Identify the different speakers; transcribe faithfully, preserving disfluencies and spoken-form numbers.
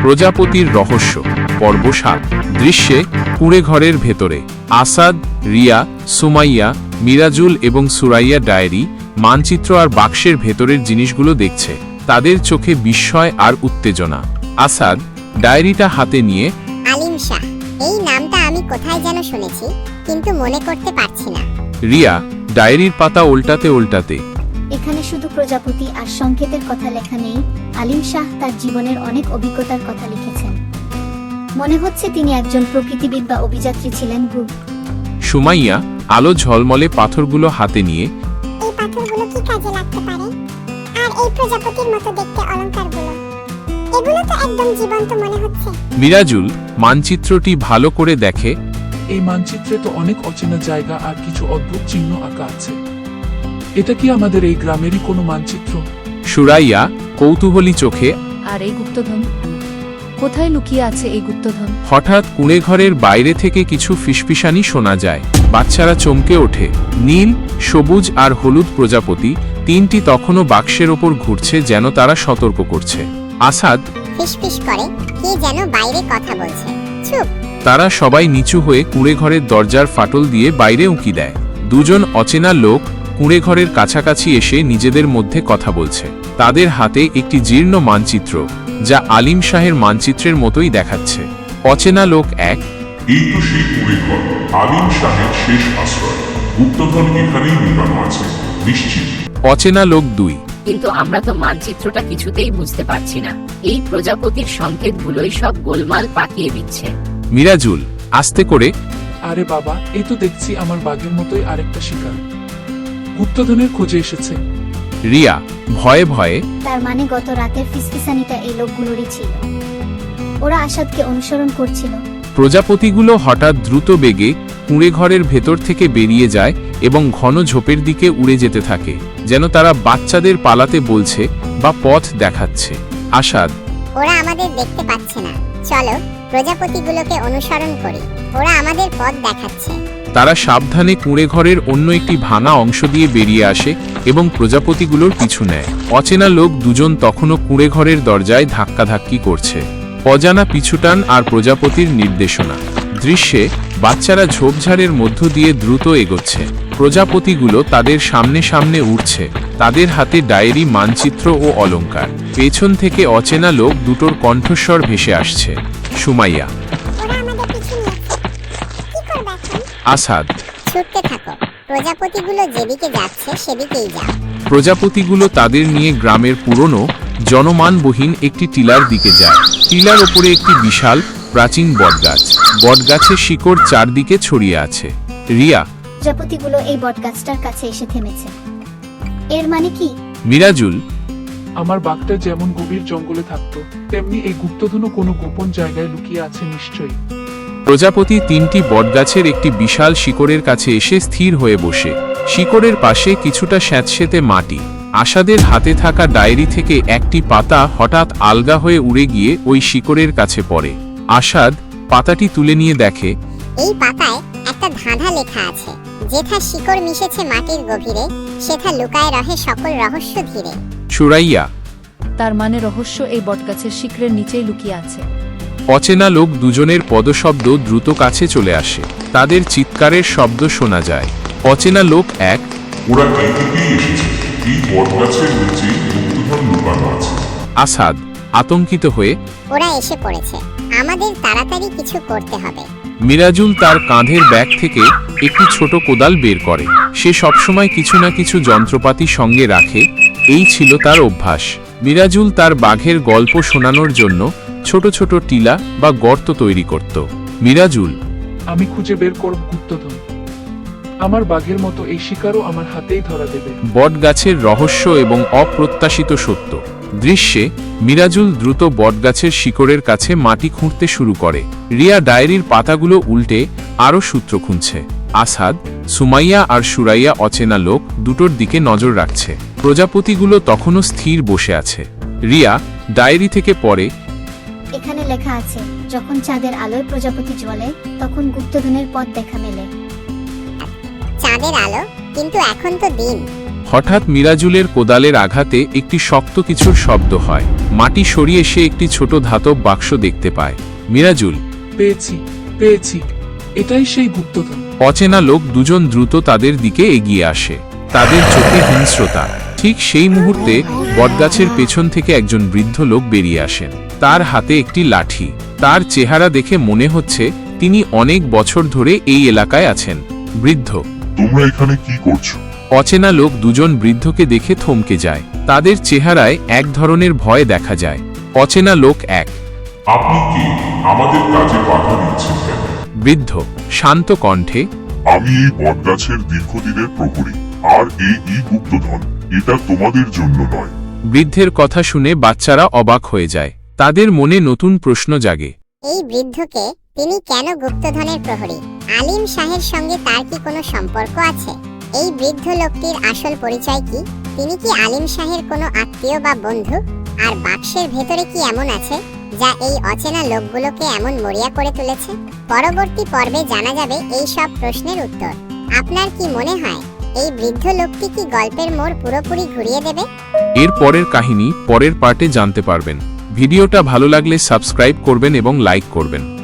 Speaker 1: প্রজাপতির রহস্য পর্ব সাত। দৃশ্যে কুঁড়ে ঘরের ভেতরে আসাদ, রিয়া, সুমাইয়া, মিরাজুল এবং সুরাইয়া ডায়েরি, মানচিত্র আর বাক্সের ভেতরের জিনিসগুলো দেখছে। তাদের চোখে বিস্ময় আর উত্তেজনা। আসাদ ডায়েরিটা হাতে নিয়ে,
Speaker 2: আলিম শাহ, এই নামটা আমি কোথায় যেন শুনেছি, কিন্তু মনে করতে পারছি না।
Speaker 1: রিয়া ডায়েরির পাতা উল্টাতে উল্টাতে,
Speaker 3: এখানে শুধু প্রজাপতি আর সংকেতের কথা লেখা নেই, আলিম শাহ তার জীবনের অনেক অভিজ্ঞতার কথা লিখেছেন। মনে হচ্ছে তিনি একজন প্রকৃতিবিদ বা অভিযাত্রী ছিলেন। ভুল।
Speaker 1: সুমাইয়া আলো ঝলমলে পাথরগুলো হাতে নিয়ে,
Speaker 2: এই পাথরগুলো কি কাজে লাগতে পারে? আর এই প্রজাপতির মতো দেখতে অলংকারগুলো, এগুলো তো একদম জীবন্ত মনে হচ্ছে।
Speaker 1: মিরাজুল মানচিত্রটি ভালো করে দেখে,
Speaker 4: এই মানচিত্রে তো অনেক অচেনা জায়গা আর কিছু অদ্ভুত চিহ্ন আঁকা আছে। এটা কি আমাদের এই গ্রামেরই কোনো মানচিত্র?
Speaker 1: সুরাইয়া কৌতূহলী চোখে,
Speaker 5: আর এই গুপ্তধন, কোথায় লুকিয়ে আছে এই গুপ্তধন?
Speaker 1: হঠাৎ কুঁড়ে ঘরের বাইরে থেকে কিছু ফিসফিসানি শোনা যায়। বাচ্চারা চমকে ওঠে। নীল, সবুজ আর হলুদ প্রজাপতি তিনটি তখনও বাক্সের ওপর ঘুরছে, যেন তারা সতর্ক করছে। আসাদ
Speaker 2: ফিসফিস করে কে যেন বাইরে কথা বলছে। চুপ।
Speaker 1: তারা সবাই নিচু হয়ে কুঁড়ে ঘরের দরজার ফাটল দিয়ে বাইরে উঁকি দেয়। দুজন অচেনা লোক কুঁড়ে ঘরের কাছাকাছি এসে নিজেদের মধ্যে কথা বলছে। তাদের হাতে একটি জীর্ণ মানচিত্র, যা আলিম শাহের মানচিত্রের মতোই দেখাচ্ছে। অচেনা লোক এক,
Speaker 6: এই তো সেই কুঁড়ে ঘর, আলিম শাহের শেষ আশ্রয়। গুপ্তধন এখানেই লুকানো আছে, নিশ্চিত।
Speaker 1: অচেনা লোক দুই,
Speaker 7: কিন্তু আমরা তো মানচিত্রটা কিছুতেই বুঝতে পারছি না। এই প্রজাপতির সংকেতগুলোই সব গোলমাল পাকিয়ে দিচ্ছে।
Speaker 1: মিরাজুল আস্তে করে,
Speaker 4: আরে বাবা, এই তো দেখছি আমার বাঘের মতোই আরেকটা শিকার গুপ্তধনের খোঁজে এসেছে।
Speaker 1: রিয়া ভয়ে ভয়ে,
Speaker 3: তার মানে গত রাতের ফিসফিসানিটা এই লোকগুলোরই ছিল। ওরা আসাদকে অনুসরণ করছিল।
Speaker 1: প্রজাপতিগুলো হঠাৎ দ্রুত বেগে কুঁড়ে ঘরের ভেতর থেকে বেরিয়ে যায় এবং ঘন ঝোপের দিকে উড়ে যেতে থাকে, যেন তারা বাচ্চাদের পালাতে বলছে বা পথ দেখাচ্ছে। আসাদ,
Speaker 2: ওরা আমাদের দেখতে পাচ্ছে না, চলো প্রজাপতিগুলোকে অনুসরণ করি, ওরা আমাদের পথ দেখাচ্ছে।
Speaker 1: তারা সাবধানে কুঁড়ে ঘরের অন্য একটি ভাঙা অংশ দিয়ে বেরিয়ে আসে এবং প্রজাপতিগুলোর পিছু নেয়। অচেনা লোক দুজন তখনও কুঁড়ে ঘরের দরজায় ধাক্কাধাক্কি করছে। অজানা পিছুটান আর প্রজাপতির নির্দেশনা। দৃশ্যে বাচ্চারা ঝোপঝাড়ের মধ্য দিয়ে দ্রুত এগোচ্ছে। প্রজাপতিগুলো তাদের সামনে সামনে উঠছে, তাদের হাতে ডায়েরি, মানচিত্র ও অলংকার। পেছন থেকে অচেনা লোক দুটোর কণ্ঠস্বর ভেসে আসছে। সুমাইয়া,
Speaker 2: ওরা আমাদের পিছু নিয়েছে, কি করবে এখন?
Speaker 1: আসাদ,
Speaker 2: ছুটতে থাকো, প্রজাপতিগুলো যেদিকে যাচ্ছে সেদিকেই যাও।
Speaker 1: প্রজাপতিগুলো তাদের নিয়ে গ্রামের পুরনো জনমানবহীন একটি টিলার দিকে যায়। টিলার ওপরে একটি বিশাল প্রাচীন বটগাছ। বটগাছের শিকড় চারদিকে ছড়িয়ে আছে। রিয়া,
Speaker 3: প্রজাপতিগুলো এই বটগাছটার কাছে এসে থেমেছে। এর মানে কি?
Speaker 1: মিরাজুল,
Speaker 4: আমার বাঘটা যেমন গভীর জঙ্গলে থাকতো, তেমনি এই গুপ্তধনও কোনো গোপন জায়গায় লুকিয়ে আছে নিশ্চয়ই।
Speaker 1: প্রজাপতি তিনটি বটগাছের একটি বিশাল শিকড়ের কাছে এসে স্থির হয়ে বসে। শিকড়ের পাশে কিছুটা স্যাঁতসেঁতে মাটি। আসাদের হাতে থাকা ডায়েরি থেকে একটি পাতা হঠাৎ আলগা হয়ে উড়ে গিয়ে ওই শিকড়ের কাছে পড়ে। আসাদ পাতাটি তুলে নিয়ে দেখে,
Speaker 2: এই পাতায় একটা ধাঁধা লেখা আছে, যেথা শিকড় মিশেছে মাটির গভীরে, সেথা লুকায় রহে সকল রহস্য ধীরে।
Speaker 1: সুরাইয়া,
Speaker 5: তার মানে রহস্য এই বটগাছের শিকড়ের নিচেই লুকিয়ে আছে।
Speaker 1: অচেনা লোক দুজনের পদশব্দ দ্রুত কাছে চলে আসে। তাদের চিৎকারের শব্দ শোনা যায়। অচেনা লোক এক,
Speaker 6: ওরা এই থেকেই এসেছে, এই বটগাছের নিচে গুপ্তধন লুকানো আছে।
Speaker 1: আসাদ আতঙ্কিত হয়ে,
Speaker 2: ওরা এসে পড়েছে, আমাদের তাড়াতাড়ি কিছু করতে হবে।
Speaker 1: মিরাজুল তার কাঁধের ব্যাগ থেকে একটি ছোট কোদাল বের করে। সে সবসময় কিছু না কিছু যন্ত্রপাতি সঙ্গে রাখে, এই ছিল তার অভ্যাস। মিরাজুল তার বাঘের গল্প শোনানোর জন্য ছোট ছোট টিলা বা গর্ত তৈরি করত। মিরাজুল,
Speaker 4: আমি খুঁজে বের করব গুপ্তধন। আমার বাঘের মতো এই শিকারও আমার হাতেই ধরা দেবে।
Speaker 1: বটগাছের রহস্য এবং অপ্রত্যাশিত সত্য। দৃশ্যে মিরাজুল দ্রুত বটগাছের শিকড়ের কাছে মাটি খুঁড়তে শুরু করে। রিয়া ডায়েরির পাতাগুলো উল্টে আরও সূত্র খুঁজছে। আসাদ, সুমাইয়া আর সুরাইয়া অচেনা লোক দুটোর দিকে নজর রাখছে। প্রজাপতিগুলো তখনও স্থির বসে আছে। রিয়া ডায়েরি থেকে পড়ে,
Speaker 3: এখানে লেখা আছে, যখন চাঁদের আলোয় প্রজাপতি জ্বলে, তখন গুপ্তধনের পথ দেখা মেলে।
Speaker 2: চাঁদের আলো, কিন্তু এখন তো দিন।
Speaker 1: হঠাৎ মিরাজুলের কোদালের আঘাতে একটি শক্ত কিছুর শব্দ হয়। মাটি সরিয়ে সে একটি ছোট ধাতব বাক্স দেখতে পায়। মিরাজুল,
Speaker 4: পেয়েছি পেয়েছি এটাই সেই গুপ্তধন।
Speaker 1: অচেনা লোক দুজন দ্রুত তাদের দিকে এগিয়ে আসে। তাদের চোখে হিংস্রতা। ঠিক সেই মুহূর্তে বটগাছের পেছন থেকে একজন বৃদ্ধ লোক বেরিয়ে আসেন। তার হাতে একটি লাঠি। তার চেহারা দেখে মনে হচ্ছে তিনি অনেক বছর ধরে এই এলাকায় আছেন। বৃদ্ধ,
Speaker 6: তোমরা এখানে কি করছো?
Speaker 1: অচেনা লোক দুজন বৃদ্ধকে দেখে থমকে যায়। তাদের চেহারায় এক ধরনের ভয় দেখা যায়। অচেনা লোক এক,
Speaker 6: আপনি কি আমাদের কাজে বাধা দিচ্ছেন কেন?
Speaker 1: বৃদ্ধ শান্ত কণ্ঠে,
Speaker 6: আমি এই বটগাছের দীর্ঘদিনের প্রহরী, আর এই ই গুপ্তধন এটা তোমাদের জন্য নয়।
Speaker 1: বৃদ্ধের কথা শুনে বাচ্চারা অবাক হয়ে যায়। তাদের মনে নতুন প্রশ্ন জাগে।
Speaker 2: এই বৃদ্ধকে, তিনি কেন গুপ্তধনের প্রহরী? আলিম শাহের সঙ্গে তার কি কোনো সম্পর্ক আছে? এই বৃদ্ধ লোকটির আসল পরিচয় কি? তিনি কি আলিম শাহের কোনো আত্মীয় বা বন্ধু? আর বাক্সের ভেতরে কি এমন আছে যা এই অচেনা লোকগুলোকে এমন মরিয়া করে তুলেছে? পরবর্তী পর্বে জানা যাবে এই সব প্রশ্নের উত্তর। আপনার কি মনে হয় এই বৃদ্ধ লোকটি কি গল্পের মোড় পুরোপুরি ঘুরিয়ে দেবে?
Speaker 1: এর পরের কাহিনী পরের পার্টে জানতে পারবেন। ভিডিওটা ভালো লাগলে সাবস্ক্রাইব করবেন এবং লাইক করবেন।